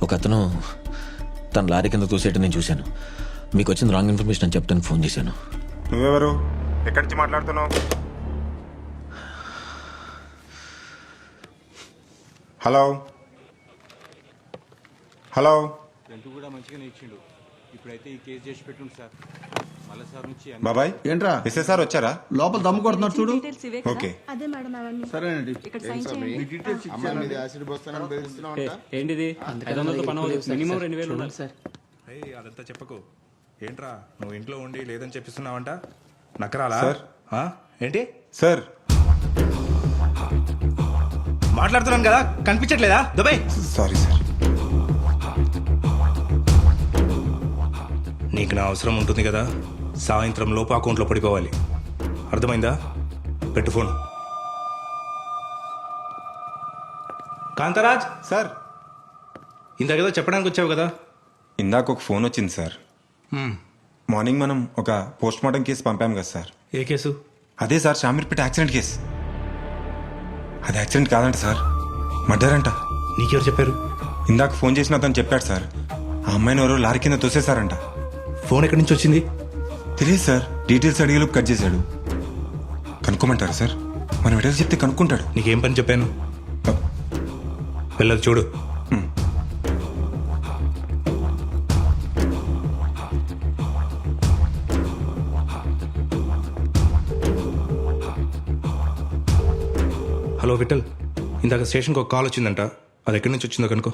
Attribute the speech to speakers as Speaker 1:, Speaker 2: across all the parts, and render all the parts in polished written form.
Speaker 1: ఒక అతను తన లారీ కింద తోసేయటం నేను చూశాను. మీకు వచ్చిన రాంగ్ ఇన్ఫర్మేషన్ అని చెప్తాను ఫోన్ చేశాను.
Speaker 2: నువ్వెవరు? ఎక్కడి నుంచి మాట్లాడుతున్నావు? Hello hello.
Speaker 3: రెంట్ కూడా మంచిగానే ఇచ్చిండు. ఇప్పుడైతే ఈ కేసు చేసి పెట్టుండు సార్. మళ్ళీ సార్ నుంచి
Speaker 2: బాబాయ్
Speaker 4: ఏంట్రా
Speaker 2: ఎస్ఏ సార్ వచ్చారా?
Speaker 4: లోపల దమ్ము కొడుతున్నారు చూడు.
Speaker 2: ఓకే
Speaker 5: అదే మేడం అవన్నీ
Speaker 4: సరేనండి.
Speaker 5: ఇక్కడ సైన్ చేయండి.
Speaker 4: మీ డీటెయిల్స్ ఇచ్చాను.
Speaker 6: ఏంటిది 500 పని మినిమం 2000 ఉండాలి సార్.
Speaker 7: అదంతా చెప్పకు. ఏంట్రా నువ్వు ఇంట్లో ఉండి లేదని చెప్పిస్తున్నావంట? నక్కరాలా
Speaker 2: సార్.
Speaker 7: ఆ? ఏంటి
Speaker 2: సార్
Speaker 7: మాట్లాడుతున్నాను కదా, కనిపించట్లేదా? Dubai
Speaker 2: sorry sir.
Speaker 7: నీకు నా అవసరం ఉంటుంది కదా, సాయంత్రం లోపు అకౌంట్లో పడిపోవాలి. అర్థమైందా? పెట్టు ఫోన్. కాంతరాజ్
Speaker 2: సార్
Speaker 7: ఇందాకేదో చెప్పడానికి వచ్చావు కదా.
Speaker 2: ఇందాక ఒక ఫోన్ వచ్చింది సార్. మార్నింగ్ మనం ఒక పోస్ట్ మార్టం కేసు పంపాం కదా సార్.
Speaker 7: ఏ కేసు?
Speaker 2: అదే సార్, షామీర్పేట యాక్సిడెంట్ కేసు. అది యాక్సిడెంట్ కాదంట సార్, మర్డర్ అంట.
Speaker 7: నీకెవరు చెప్పారు?
Speaker 2: ఇందాక ఫోన్ చేసిన అతను చెప్పాడు సార్. ఆ అమ్మాయిని ఎవరో లారీ కింద తోసేశారంట.
Speaker 7: ఫోన్ ఎక్కడి నుంచి వచ్చింది?
Speaker 2: తెలియదు సార్, డీటెయిల్స్ అడిగేలోపు కట్ చేశాడు. కనుక్కోమంటారా సార్? మనం ఎడలు చెప్తే కనుక్కుంటాడు.
Speaker 7: నీకేం పని చెప్పాను? వెళ్ళదు చూడు. హలో విఠల్, ఇందాక స్టేషన్కి ఒక కాల్ వచ్చిందంట. అది ఎక్కడి నుంచి వచ్చిందో కనుకో.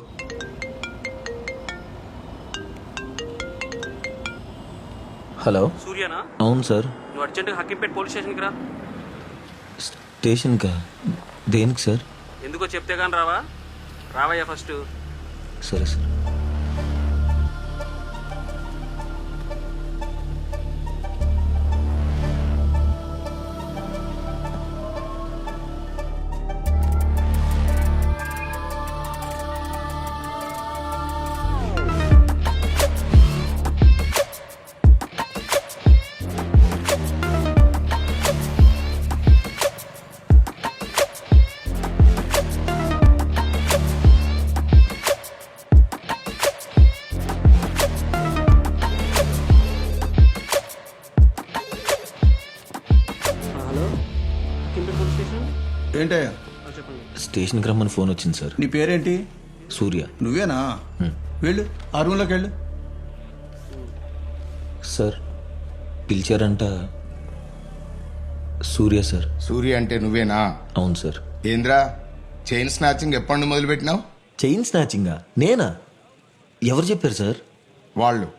Speaker 1: హలో.
Speaker 6: సూర్యనా?
Speaker 1: అవును సార్.
Speaker 6: నువ్వు అర్జెంట్గా హక్కింపేట పోలీస్ స్టేషన్కి రా.
Speaker 1: స్టేషన్కా? దేనికి సార్?
Speaker 6: ఎందుకో చెప్తే కానీ రావా? రావయ్యా ఫస్ట్.
Speaker 1: సరే sir.
Speaker 6: Hello, Hakimpet police station.
Speaker 4: ఏంటయ్యా?
Speaker 6: చెప్పండి.
Speaker 1: స్టేషన్కి రమ్మని ఫోన్ వచ్చింది సార్.
Speaker 4: నీ పేరేంటి?
Speaker 1: సూర్య.
Speaker 4: నువ్వేనా? వెళ్ళు, ఆ రూమ్లోకి వెళ్ళు.
Speaker 1: సార్ పిలిచారంట. సూర్య సార్.
Speaker 8: సూర్య అంటే నువ్వేనా?
Speaker 1: అవును సార్.
Speaker 8: ఏంద్రా చైన్ స్నాచింగ్ ఎప్పటి నుండి మొదలు పెట్టినావు?
Speaker 1: చైన్ స్నాచింగా? నేనా? ఎవరు చెప్పారు సార్?
Speaker 8: వాళ్ళు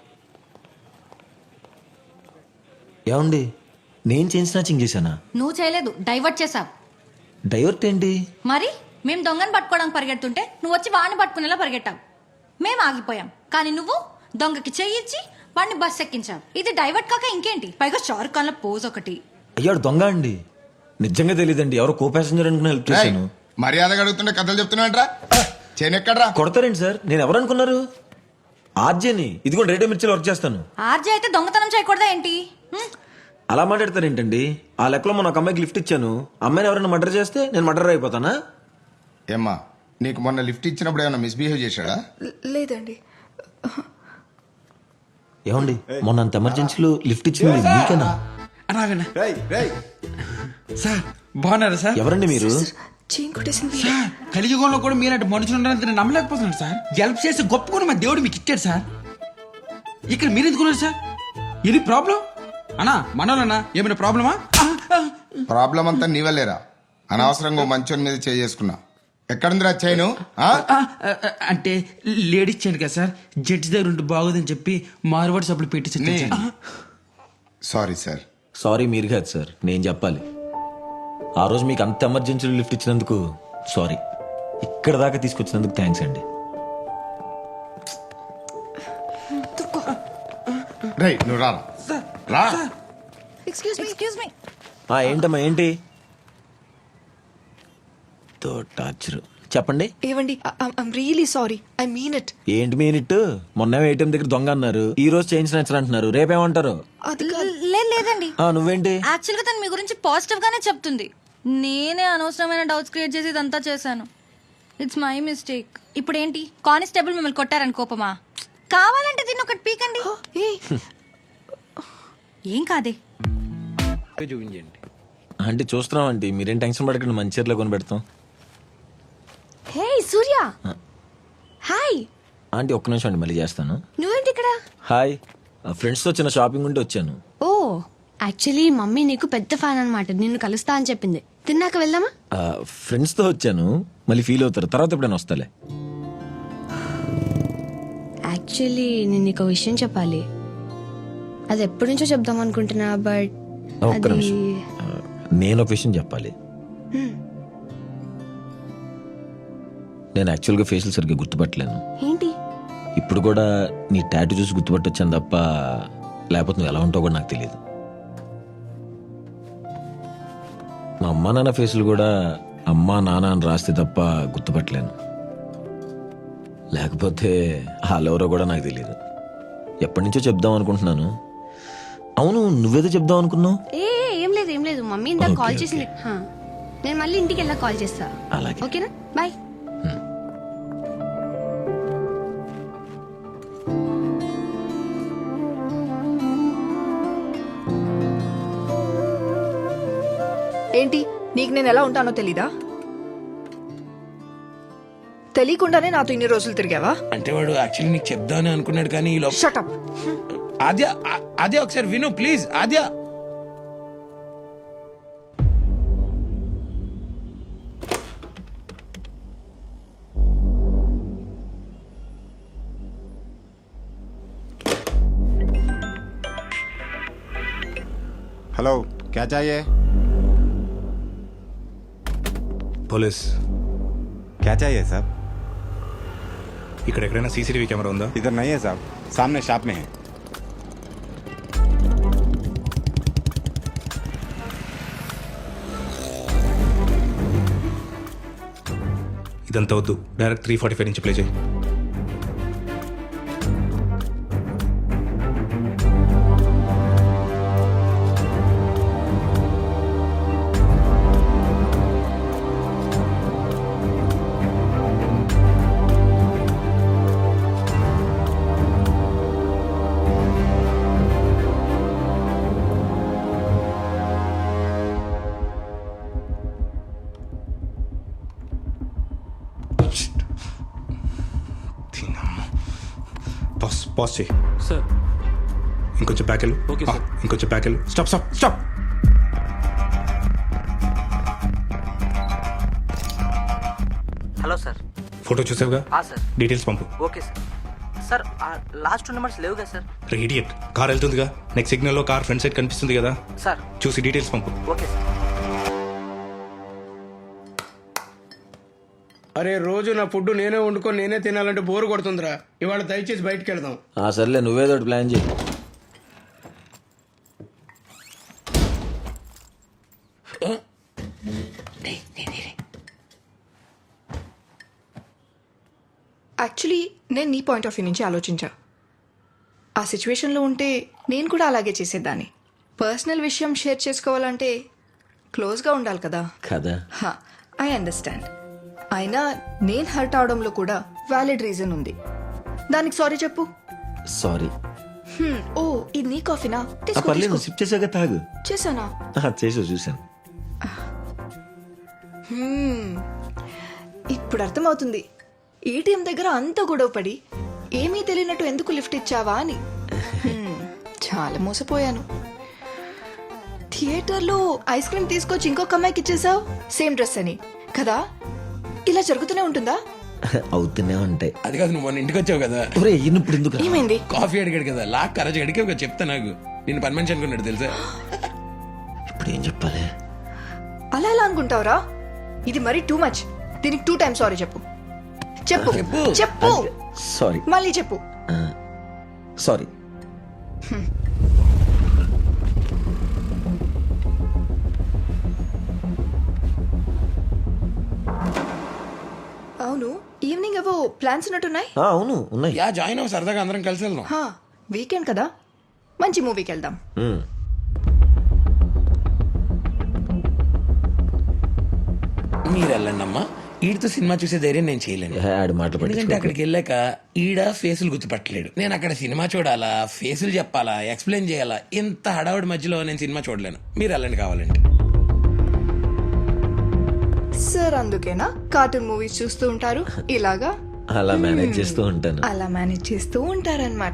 Speaker 1: ఏమండి, నేను చైన్ స్నాచింగ్ చేశానా?
Speaker 9: నువ్వు చేయలేదు, డైవర్ట్ చేసావు.
Speaker 1: డైవర్ట్ ఏంటి?
Speaker 9: మరి మేము దొంగను పట్టుకోవడానికి పరిగెడుతుంటే నువ్వు వచ్చి వాడిని పట్టుకునేలా పరిగెట్టావు. మేము ఆగిపోయాం, కానీ నువ్వు దొంగకి చెయ్యిచ్చి వాడిని బస్ ఎక్కించావు. ఇది డైవర్ట్ కాక ఇంకేంటి? పైగా షారుఖ్ ఖాన్ లో పోజ్ ఒకటి.
Speaker 1: అయ్యాడు దొంగ అండి. నిజంగా తెలియదండి, ఎవరో కో ప్యాసింజర్ అనుకుని హెల్ప్ చేశాను.
Speaker 8: మర్యాదగా అడుగుతుంటే కథలు చెప్తున్నాంట్రా. చైన్ ఎక్కడ్రా?
Speaker 1: కొడతారేంటి సార్? నేను ఎవరు అనుకున్నారు? ఆర్జేని. ఇదిగో రేడియో మిర్చిలో వర్క్ చేస్తాను.
Speaker 9: ఆర్జే అయితే దొంగతనం చేయకూడదా ఏంటి?
Speaker 1: అలా మాట్లాడతారేంటండి? ఆ లెక్కలో మొన్న ఒక అమ్మాయికి లిఫ్ట్ ఇచ్చాను. అమ్మాయిని ఎవరైనా మర్డర్ చేస్తే నేను మర్డర్ అయిపోతానా?
Speaker 8: ఏమ్మా, నీకు మొన్న లిఫ్ట్ ఇచ్చినప్పుడు ఏమైనా మిస్బిహేవ్ చేశాడా?
Speaker 5: లేదండి.
Speaker 1: ఏమండి, మొన్న అంత ఎమర్జెన్సీలో లిఫ్ట్ ఇచ్చింది మీకేనా?
Speaker 10: సార్ బాగున్నారా సార్?
Speaker 1: ఎవరండి మీరు?
Speaker 5: చైన్ కొట్టేసింది.
Speaker 10: సార్ కలియుగంలో కూడా మీరంటే మనుషులు ఉన్నారని నేను నమ్మలేకపోతున్నాను సార్. హెల్ప్ చేసి గొప్పకొని మా దేవుడు మీకు ఇచ్చాడు సార్. ఇక్కడ మీరు ఎందుకున్నారు సార్? ఇది ప్రాబ్లం అన్నా? మనోళ్ళన్నా ఏమైనా ప్రాబ్లమా?
Speaker 8: ప్రాబ్లం అంతా నీ వల్లేరా. అనవసరంగా ఓ మంచోని మీద చేసుకున్నా. ఎక్కడుందిరా చైను?
Speaker 10: అంటే లేడీస్ చైన్ కదా సార్, జడ్జి దగ్గర ఉంటే బాగోదని చెప్పి మార్వాడి సబ్బులు పెట్టి.
Speaker 8: Sorry sir.
Speaker 1: సారీ మీరు కాదు సార్, నేను చెప్పాలి. ఆ రోజు మీకు అంత ఎమర్జెన్సీలో లిఫ్ట్ ఇచ్చినందుకు సారీ. ఇక్కడ దాకా తీసుకొచ్చినందుకు థ్యాంక్స్ అండి.
Speaker 8: రై నువ్వు రా రా.
Speaker 9: Excuse me.
Speaker 1: ఏంటమ్మా ఏంటి? తో టార్చర్. చెప్పండి.
Speaker 5: ఏవండి, I'm really sorry. I mean it.
Speaker 1: ఏంటి మీనిట్? మొన్న ఏటీఎం దగ్గర దొంగ అన్నారు, ఈ రోజు చైన్ స్నాచర్ అంటున్నారు, రేపేమంటారు?
Speaker 5: అది
Speaker 9: లేదండి.
Speaker 1: నువ్వేంటి?
Speaker 9: యాక్చువల్ గా తను మీ గురించి పాజిటివ్ గానే చెప్తుంది. నేనే అనవసరమైన డౌట్స్ క్రియేట్ చేసి ఇదంతా చేశాను. It's my mistake. ఇప్పుడు ఏంటి కానిస్టేబుల్ మిమ్మల్ని కొట్టారని కోపమా? కావాలంటే దీన్ని ఒకటి పీకండి. ఏం కాదే.
Speaker 3: చూపించండి.
Speaker 1: అంటే చూస్తున్నాం ఆంటీ, మీరేం టెన్షన్ పడకండి, మంచి చీరలో కొని పెడతాం.
Speaker 5: హే సూర్య, హాయ్.
Speaker 1: ఆంటీ ఒక్క నిమిషం అండి, మళ్ళీ చేస్తాను.
Speaker 5: నువ్వేంటి ఇక్కడ?
Speaker 1: హాయ్, ఫ్రెండ్స్తో చిన్న షాపింగ్ ఉంటే వచ్చాను.
Speaker 11: ఓ యాక్చువల్లీ మమ్మీ నీకు పెద్ద ఫ్యాన్ అన్నమాట, నిన్ను కలుస్తా అని చెప్పింది. తిన్నాక వెళ్దామా?
Speaker 1: ఫ్రెండ్స్తో వచ్చాను, మళ్ళీ ఫీల్ అవుతారు, తర్వాత ఎప్పుడైనా వస్తాలే.
Speaker 11: యాక్చువల్లీ నేను నీకు ఒక విషయం చెప్పాలి. అది ఎప్పటి నుంచో చెప్దాం అనుకుంటున్నా, బట్
Speaker 1: ఒక్క
Speaker 11: అది
Speaker 1: నిమిషం, నేను ఒక విషయం చెప్పాలి. నేను యాక్చువల్గా ఫేషియల్ సరిగ్గా గుర్తుపట్టలేను.
Speaker 11: ఏంటి?
Speaker 1: ఇప్పుడు కూడా నీ టాటూ చూసి గుర్తుపట్టొచ్చాను తప్ప, లేకపోతే నువ్వు ఎలా ఉంటావు కూడా నాకు తెలియదు. మా అమ్మా నాన్న ఫేసులు కూడా అమ్మా నాన్న అని రాస్తే తప్ప గుర్తుపట్టలేను. లేకపోతే వాళ్ళెవరో కూడా నాకు తెలియదు. ఎప్పటి నుంచో చెప్దాం అనుకుంటున్నాను. అవును, నువ్వేదో చెప్దాం అనుకున్నావు?
Speaker 11: ఏం లేదు ఏం లేదు, మమ్మీ ఇందాక
Speaker 1: ఓకే,
Speaker 11: కాల్
Speaker 1: ఓకే.
Speaker 11: చేసింది. హా, నేను మళ్ళీ ఇంటికి వెళ్ళా కాల్ చేస్తా.
Speaker 1: అలాగే.
Speaker 11: ఓకేనా, బాయ్.
Speaker 5: ఏంటి, నీకు నేను ఎలా ఉంటానో తెలీదా? తెలియకుండానే నాతో ఇన్ని రోజులు తిరిగావా?
Speaker 10: అంటే వాడు యాక్చువల్లీ నీకు చెప్దామని అనుకున్నాడు, కానీ ఈ లోపల
Speaker 5: షటప్.
Speaker 10: ఆద్య ఆద్య ఒకసారి విను ప్లీజ్. ఆద్య
Speaker 8: हेलो क्या चाहिए?
Speaker 7: పోలీస్.
Speaker 2: क्या चाहिए साहब?
Speaker 7: ఇక్కడ ఎక్కడైనా సీసీటీవీ కెమెరా ఉందా?
Speaker 2: इधर नहीं है साहब, सामने शॉप में है.
Speaker 7: ఇదంతా వద్దు, డైరెక్ట్ 345 నుంచి ప్లే చేయి. పాస్ చేయి.
Speaker 6: సార్.
Speaker 7: ఇంకొంచెం బ్యాక్ వెళ్ళు.
Speaker 6: Okay sir.
Speaker 7: ఇంకొంచెం బ్యాక్ వెళ్ళు. Stop stop stop.
Speaker 6: Hello sir.
Speaker 7: Photo చూసావుగా?
Speaker 6: సార్.
Speaker 7: డీటెయిల్స్ పంపు.
Speaker 6: Okay sir. Sir last 2 numbers లేవుగా సార్?
Speaker 7: రేడియట్ కార్ వెళ్తుందిగా, నెక్స్ట్ సిగ్నల్లో కార్ ఫ్రంట్ సైడ్ కనిపిస్తుంది కదా,
Speaker 6: సార్.
Speaker 7: చూసి డీటెయిల్స్ పంపు.
Speaker 6: Okay sir.
Speaker 10: అరే రోజు నా ఫుడ్ నేనే వండుకొని నేనే తినాలంటే బోరు కొడుతుందిరా. ఇవాళ దయచేసి బయటికి వెళ్దాం.
Speaker 1: సర్లే, నువ్వేదో ఒకటి ప్లాన్ చేయి.
Speaker 5: యాక్చువల్లీ నేను నీ పాయింట్ ఆఫ్ వ్యూ నుంచి ఆలోచించా. ఆ సిచ్యువేషన్లో ఉంటే నేను కూడా అలాగే చేసేదాన్ని. పర్సనల్ విషయం షేర్ చేసుకోవాలంటే క్లోజ్గా ఉండాలి కదా.
Speaker 1: కదా.
Speaker 5: I understand. అయినా నేను హర్ట్ అవడంలో కూడా వ్యాలిడ్ రీజన్ ఉంది. దానికి సారీ చెప్పు.
Speaker 1: సారీ.
Speaker 5: ఓ, ఇది నీ కాఫీనా? తీసుకో,
Speaker 1: పర్లేదు,
Speaker 5: తీసుకో.
Speaker 1: సిప్ చేసాక తాగు.
Speaker 5: చేశానా?
Speaker 1: చేసావు, చూసాను.
Speaker 5: ఇప్పుడు అర్థమవుతుంది ఏటీఎం దగ్గర అంత గొడవ పడి ఏమీ తెలియనట్టు ఎందుకు లిఫ్ట్ ఇచ్చావా అని. చాలా మోసపోయాను. థియేటర్లో ఐస్ క్రీమ్ తీసుకొచ్చి ఇంకొక అమ్మాయికి ఇచ్చేసావు, సేమ్ డ్రెస్ అని కదా. ఇలా జరుగుతూనే ఉంటుందా?
Speaker 1: అవుతూనే ఉంటాయి.
Speaker 10: అది కాదు, నువ్వు మొన్న ఇంటికి వచ్చావు కదా,
Speaker 1: ఒరే, ఇప్పుడు ఎందుకు?
Speaker 5: ఏమైంది?
Speaker 10: కాఫీ అడిగాడు కదా, లాక్ కరజ్ అడిగే ఒక చెప్తా. నాకు నేను పని మనిషి అనుకున్నాడు తెలుసా.
Speaker 1: ఇప్పుడు ఏం చెప్పాలి?
Speaker 5: అలా ఎలా అనుకుంటావురా? ఇది మరీ టూ మచ్. దీనికి 2 times సారీ చెప్పు. చెప్పు
Speaker 10: చెప్పు.
Speaker 5: చెప్పు.
Speaker 1: సారీ.
Speaker 5: మళ్ళీ చెప్పు.
Speaker 1: సారీ.
Speaker 5: అవును, ఈవినింగ్ ఏవో ప్లాన్స్ ఉన్నట్టున్నాయి.
Speaker 1: అవును, ఉన్నాయి.
Speaker 10: యా జాయిన్ అవ్వ, సరదాగా అందరం కలిసి వెళ్దాం.
Speaker 5: వీకెండ్ కదా, మంచి మూవీకి వెళ్దాం.
Speaker 10: మీరు వెళ్ళండి అమ్మా, ఈడితో సినిమా చూసే ధైర్యం నేను చేయలేను.
Speaker 1: ఆడి మాటలు
Speaker 10: ఎందుకంటే
Speaker 1: పట్టించుకోకు.
Speaker 10: అక్కడికి వెళ్ళాక ఈడ ఫేసులు గుర్తుపట్టలేడు. నేను అక్కడ సినిమా చూడాలా, ఫేసులు చెప్పాలా, ఎక్స్ప్లెయిన్ చేయాలా, ఇంత హడావుడి మధ్యలో నేను సినిమా చూడలేను. మీరు వెళ్ళండి కావాలంటే.
Speaker 5: సార్ అందుకేనా కార్టూన్ మూవీస్ చూస్తూ ఉంటారు ఇలాగా
Speaker 1: అలా మేనేజ్ చేస్తూ ఉంటాను.
Speaker 5: అలా మేనేజ్ చేస్తూ ఉంటారన్నమాట.